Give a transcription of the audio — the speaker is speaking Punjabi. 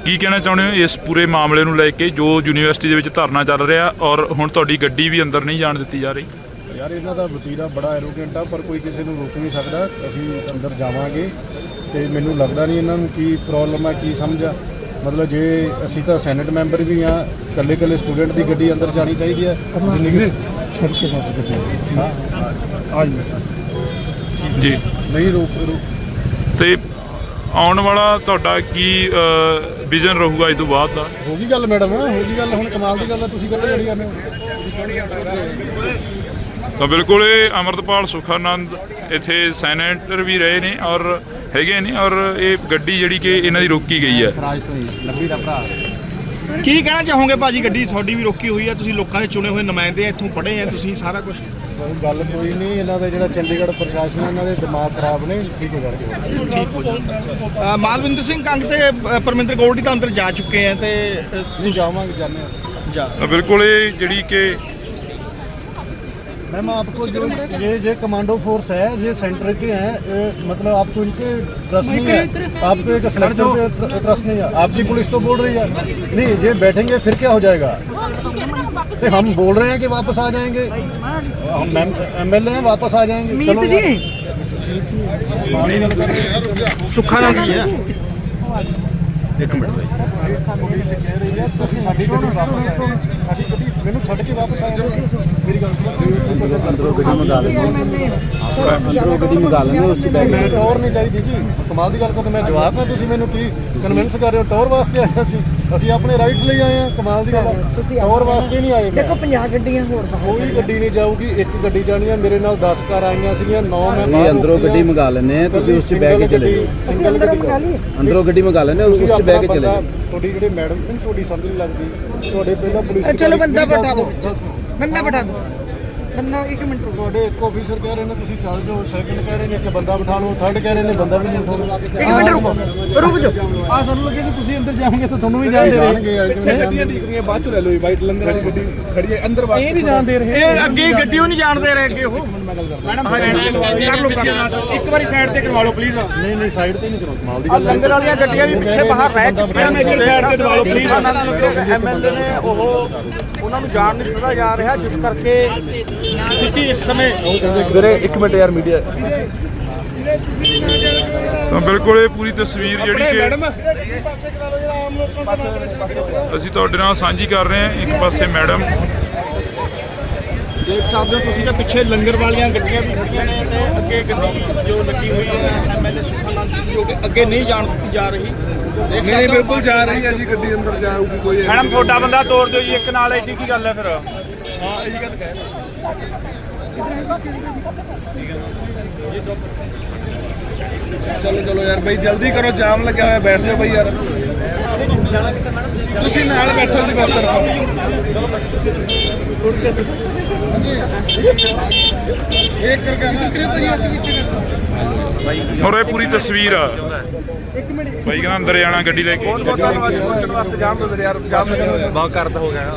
ਕੀ ਕਹਿਣਾ ਚਾਹੁੰਦੇ ਹੋ ਇਸ ਪੂਰੇ ਮਾਮਲੇ ਨੂੰ ਲੈ ਕੇ ਜੋ ਯੂਨੀਵਰਸਿਟੀ ਦੇ ਵਿੱਚ ਧਰਨਾ ਚੱਲ ਰਿਹਾ ਔਰ ਹੁਣ ਤੁਹਾਡੀ ਗੱਡੀ ਵੀ ਅੰਦਰ ਨਹੀਂ ਜਾਣ ਦਿੱਤੀ ਜਾ ਰਹੀ? ਯਾਰ ਇਹਨਾਂ ਦਾ ਵਤੀਰਾ ਬੜਾ ਐਰੋਗੈਂਟ ਆ, ਪਰ ਕੋਈ ਕਿਸੇ ਨੂੰ ਰੋਕ ਨਹੀਂ ਸਕਦਾ। ਅਸੀਂ ਅੰਦਰ ਜਾਵਾਂਗੇ ਤੇ ਮੈਨੂੰ ਲੱਗਦਾ ਨਹੀਂ ਇਹਨਾਂ ਨੂੰ ਕੀ ਪ੍ਰੋਬਲਮ ਆ, ਕੀ ਸਮਝ ਆ। ਮਤਲਬ ਜੇ ਅਸੀਂ ਤਾਂ ਸੈਨੇਟ ਮੈਂਬਰ ਵੀ ਆ, ਇਕੱਲੇ ਸਟੂਡੈਂਟ ਦੀ ਗੱਡੀ ਅੰਦਰ ਜਾਣੀ ਚਾਹੀਦੀ ਹੈ। ਛੱਡ ਕੇ ਬਾਤ ਗੱਡੀ ਹਾਂ ਜੀ ਨਹੀਂ ਰੋਕ ਤੇ ਆਉਣ ਵਾਲਾ ਤੁਹਾਡਾ ਕੀ ਵਿਜ਼ਨ ਰਹੂਗਾ ਇਸ ਤੋਂ ਬਾਅਦ ਦਾ? ਹੋ ਗਈ ਗੱਲ ਮੈਡਮ, ਹੋ ਗਈ ਗੱਲ। ਹੁਣ ਕਮਾਲ ਦੀ ਗੱਲ ਆ, ਤੁਸੀਂ ਕਿਹੜੇ ਜੜੀ ਜਾਂਦੇ ਹੋ। ਤਾਂ ਬਿਲਕੁਲ ਇਹ ਅੰਮ੍ਰਿਤਪਾਲ ਸੁਖਾਨੰਦ ਇੱਥੇ ਸੈਨੇਟਰ ਵੀ ਰਹੇ ਨੇ ਔਰ ਹੈਗੇ ਨੇ ਔਰ ਇਹ ਗੱਡੀ ਜਿਹੜੀ ਕਿ ਇਹਨਾਂ ਦੀ ਰੋਕੀ ਗਈ ਹੈ। ਕੀ ਕਹਿਣਾ ਚਾਹੋਗੇ ਭਾਜੀ? ਗੱਡੀ ਤੁਹਾਡੀ ਵੀ ਰੋਕੀ ਹੋਈ ਹੈ, ਤੁਸੀਂ ਲੋਕਾਂ ਦੇ ਚੁਣੇ ਹੋਏ ਨੁਮਾਇੰਦੇ ਆ, ਇੱਥੋਂ ਪੜ੍ਹੇ ਆ ਤੁਸੀਂ ਸਾਰਾ ਕੁਝ। ਗੱਲ ਕੋਈ ਨਹੀਂ, ਇਹਨਾਂ ਦਾ ਜਿਹੜਾ ਚੰਡੀਗੜ੍ਹ ਪ੍ਰਸ਼ਾਸਨ ਹੈ ਇਹਨਾਂ ਦੇ ਦਿਮਾਗ ਖਰਾਬ ਨੇ, ਠੀਕ ਹੋ ਜਾਣਗੇ। ਠੀਕ ਹੋ ਜਾਊਗਾ। ਮਾਲਵਿੰਦਰ ਸਿੰਘ ਕੰਗ ਤੇ ਪਰਮਿੰਦਰ ਗੋਲਡੀ ਤਾਂ ਅੰਦਰ ਜਾ ਚੁੱਕੇ ਆ ਤੇ ਤੁਸੀਂ ਜਾਵਾਂਗੇ ਜਾਣੇ ਜਾ ਤਾਂ ਬਿਲਕੁਲ ਇਹ ਜਿਹੜੀ ਕਿ मैम आपको जो ये कमांडो फोर्स है, ये सेंटर के हैं, मतलब आपको इनके ट्रस्ट नहीं है, आपको एक सिलेक्टर पे ट्रस्ट नहीं है। आपकी पुलिस तो बोल रही है नहीं ये बैठेंगे फिर क्या हो जाएगा। तो हम बोल रहे हैं कि वापस आ जाएंगे, हम MLA हैं, वापस आ जाएंगे। चलो सुखानंद जी है। एक मिनट ਮੈਨੂੰ ਛੱਡ ਕੇ ਵਾਪਸ ਆ ਜਾਓ। ਮੇਰੀ ਗੱਲ ਸੁਣੋ, ਅੰਦਰੋਂ ਗੱਡੀ ਮੰਗਾ ਲੈਂਦੇ, ਅੰਦਰੋਂ ਗੱਡੀ ਮੰਗਾ ਲੈਂਦੇ, ਉਸ 'ਚ ਬੈਠ ਕੇ ਟੌਰ ਨਹੀਂ ਚਾਹੀਦੀ ਜੀ। ਕਮਾਲ ਦੀ ਗੱਲ ਕਰ, ਮੈਂ ਜਵਾਬ ਆ, ਤੁਸੀਂ ਮੈਨੂੰ ਕੀ ਕਨਵਿੰਸ ਕਰ ਰਹੇ ਹੋ? ਟੌਰ ਵਾਸਤੇ ਆਏ ਅਸੀਂ ਆਪਣੇ ਰਾਈਟਸ ਲਈ ਆਏ ਹਾਂ। ਕਮਾਲ ਦੀ ਗੱਲ, ਟੌਰ ਵਾਸਤੇ ਨਹੀਂ ਆਏ। ਦੇਖੋ 50 ਗੱਡੀਆਂ ਹੋਰ ਕੋਈ ਗੱਡੀ ਨਹੀਂ ਜਾਊਗੀ, ਇੱਕ ਗੱਡੀ ਜਾਣੀ ਹੈ। ਮੇਰੇ ਨਾਲ 10 ਕਾਰ ਆਈਆਂ ਸੀਗੀਆਂ, 9 ਮੈਂ ਬਾਹਰ ਅੰਦਰੋਂ ਗੱਡੀ ਮੰਗਾ ਲੈਂਦੇ ਆ, ਤੁਸੀਂ ਉਸ 'ਚ ਬਹਿ ਕੇ ਚਲੇ ਜਾਓ। ਅਸੀਂ ਅੰਦਰ ਮੰਗਾ ਲਈਏ, ਅੰਦਰੋਂ ਗੱਡੀ ਮੰਗਾ ਲੈਂਦੇ ਉਸ 'ਚ ਬਹਿ ਕੇ ਚਲੇ ਜਾਓ। ਤੁਹਾਡੀ ਜਿਹੜੇ ਮੈਡਮ ਤੁਹਾਡੀ ਸਮਝ ਨਹੀਂ ਲੱਗਦੀ। ਤੁਹਾਡੇ ਪਹਿਲਾਂ ਪੁਲਿਸ ਚਲੋ ਬੰਦਾ ਬਿਠਾ ਦਿਓ, ਬੰਦਾ ਬਿਠਾ ਦਿਓ, ਬੰਦਾ 1 ਮਿੰਟ ਰੁਕੋ। ਤੁਹਾਡੇ ਇੱਕ ਆਫੀਸਰ ਕਹਿ ਰਹੇ ਨੇ ਤੁਸੀਂ ਚੱਲ ਜਾਓ, ਸੈਕੰਡ ਕਹਿ ਰਹੇ ਨੇ ਕਿ ਬੰਦਾ ਬਿਠਾ ਲਓ, ਥਰਡ ਕਹਿ ਰਹੇ ਨੇ ਬੰਦਾ ਵੀ ਨਹੀਂ ਉਠਾਉਣਾ। 1 ਮਿੰਟ ਰੁਕ ਜਾਓ। ਆ ਸਾਨੂੰ ਲੱਗੇ ਕਿ ਤੁਸੀਂ ਅੰਦਰ ਜਾਓਗੇ ਤਾਂ ਤੁਹਾਨੂੰ ਵੀ ਜਾਣ ਦੇ ਰਹੇ। ਗੱਡੀਆਂ ਠੀਕ ਬਾਅਦ ਚ ਲੈ ਲਓ, ਵਾਈਟ ਲੰਗਰ ਵਾਲੀ ਗੱਡੀ ਖੜੀ ਹੈ ਅੰਦਰ, ਇਹ ਨਹੀਂ ਜਾਣ ਦੇ ਰਹੇ। ਇਹ ਅੱਗੇ ਗੱਡੀਓ ਨਹੀਂ ਜਾਣ ਦੇ ਰਹੇ ਅੱਗੇ। ਉਹ ਮੈਡਮ ਇੱਕ ਵਾਰੀ ਸਾਈਡ ਤੇ ਕਰਵਾ ਲਓ ਪਲੀਜ਼। ਨਹੀਂ ਸਾਈਡ ਤੇ ਨਹੀਂ ਕਰੋ, ਕਮਾਲ ਦੀ ਗੱਲ। ਲੰਗਰ ਵਾਲੀਆਂ ਗੱਡੀਆਂ ਵੀ ਪਿੱਛੇ ਬਾਹਰ ਰਹਿ ਚੁੱਕੀਆਂ ਨੇ, ਸਾਈਡ ਤੇ ਕਰਵਾ ਲਓ ਪਲੀਜ਼। MLA ਨੇ ਉਹਨਾਂ ਨੂੰ ਜਾਣ ਨਹੀਂ ਦਿੱਤਾ ਜਾ ਰਿਹਾ, ਜਿਸ ਕਰਕੇ ਸਥਿਤੀ ਇਸ ਸਮੇਂ। ਵੀਰੇ 1 ਮਿੰਟ ਯਾਰ, ਮੀਡੀਆ। ਤਾਂ ਬਿਲਕੁਲ ਇਹ ਪੂਰੀ ਤਸਵੀਰ ਜਿਹੜੀ ਕਿ ਅਸੀਂ ਤੁਹਾਡੇ ਨਾਲ ਸਾਂਝੀ ਕਰ ਰਹੇ ਹਾਂ। ਇੱਕ ਪਾਸੇ ਮੈਡਮ ਦੇਖ ਸਕਦੇ ਹੋ ਤੁਸੀਂ ਕਿ ਪਿੱਛੇ ਲੰਗਰ ਵਾਲੀਆਂ ਗੱਡੀਆਂ ਵੀ ਖੜੀਆਂ ਨੇ ਤੇ ਅੱਗੇ ਗੱਡੀ ਜੋ ਲੱਗੀ ਹੋਈ ਹੈ MLA ਸੁਖਾਨੰਦ ਜੀ, ਜੋ ਕਿ ਅੱਗੇ ਨਹੀਂ ਜਾਣ ਦਿੱਤੀ ਜਾ ਰਹੀ। ਨਹੀਂ ਬਿਲਕੁਲ ਜਾ ਰਹੀ ਹੈ ਜੀ, ਗੱਡੀ ਅੰਦਰ ਜਾਊਗੀ ਕੋਈ। ਮੈਡਮ ਤੁਹਾਡਾ ਬੰਦਾ ਤੋੜ ਦਿਓ ਜੀ, ਇੱਕ ਨਾਲ ਐਡੀ ਕੀ ਗੱਲ ਹੈ ਫਿਰ? ਹਾਂ ਇਹੀ ਗੱਲ ਕਹਿ ਰਹੇ। ਚਲੋ ਯਾਰ ਬਈ ਜਲਦੀ ਕਰੋ, ਜਾਮ ਲੱਗਿਆ ਹੋਇਆ, ਬੈਠ ਜਾਓ ਬਈ ਯਾਰ। ਤੁਸੀਂ ਨਾਲ ਬੈਠੋ ਜੀ, ਬਸ ਕਰੋ। ਔਰ ਇਹ ਪੂਰੀ ਤਸਵੀਰ ਆ। ਬਾਈ ਕਹਿੰਦਾ ਅੰਦਰ ਜਾਣਾ ਗੱਡੀ ਲੈ ਕੇ। ਬਹੁਤ ਧੰਨਵਾਦ ਪਹੁੰਚਣ ਵਾਸਤੇ। ਜਾਮ ਦੋ ਯਾਰ, ਜਾਮ ਬਹੁਤ ਕਰਦਾ ਹੋ ਗਿਆ।